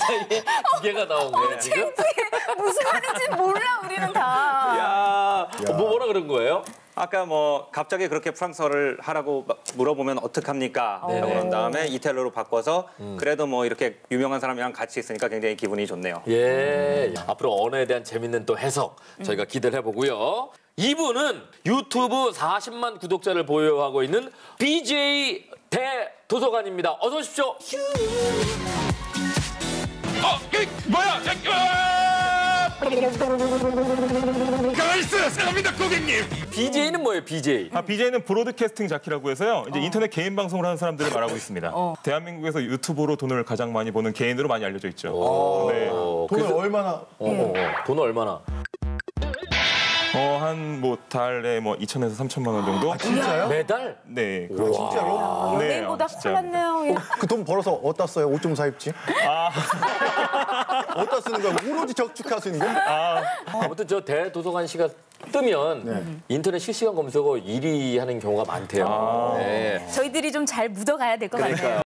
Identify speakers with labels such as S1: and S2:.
S1: 사이에 두 개가 나온 거야, 지금?
S2: 무슨 말인지 몰라, 우리는 다.
S1: 야, 뭐라 그런 거예요?
S3: 아까 뭐 갑자기 그렇게 프랑스어를 하라고 물어보면 어떡합니까?
S1: 네네.
S3: 그런 다음에 이탈리아로 바꿔서 그래도 뭐 이렇게 유명한 사람이랑 같이 있으니까 굉장히 기분이 좋네요.
S1: 예, 앞으로 언어에 대한 재밌는 또 해석 저희가 기대를 해보고요. 이분은 유튜브 40만 구독자를 보유하고 있는 BJ 대도서관입니다. 어서 오십시오.
S4: 뭐야? 가만있어! 사랑합니다, 고객님!
S1: BJ는 뭐예요, BJ?
S4: BJ는 브로드캐스팅 자키라고 해서요. 이제 인터넷 개인 방송을 하는 사람들을 말하고 있습니다. 대한민국에서 유튜브로 돈을 가장 많이 버는 개인으로 많이 알려져 있죠. 네.
S5: 돈을 얼마나?
S1: 돈은 얼마나?
S4: 한 뭐 달에 뭐 2천에서 3천만 원 정도?
S5: 진짜요?
S1: 매달?
S4: 네. 그렇죠.
S5: 진짜로?
S4: 네,
S2: 연예인보다
S4: 진짜.
S2: 큰일 났네요. 예.
S5: 그 돈 벌어서 어디다 써요? 옷 좀 사입지? 어디다 쓰는 거야? 오로지 저축하시는 거야?
S1: 아무튼 저 대도서관 씨가 뜨면 인터넷 실시간 검색어 1위 하는 경우가 많대요. 네.
S2: 저희들이 좀 잘 묻어가야 될 것 같아요.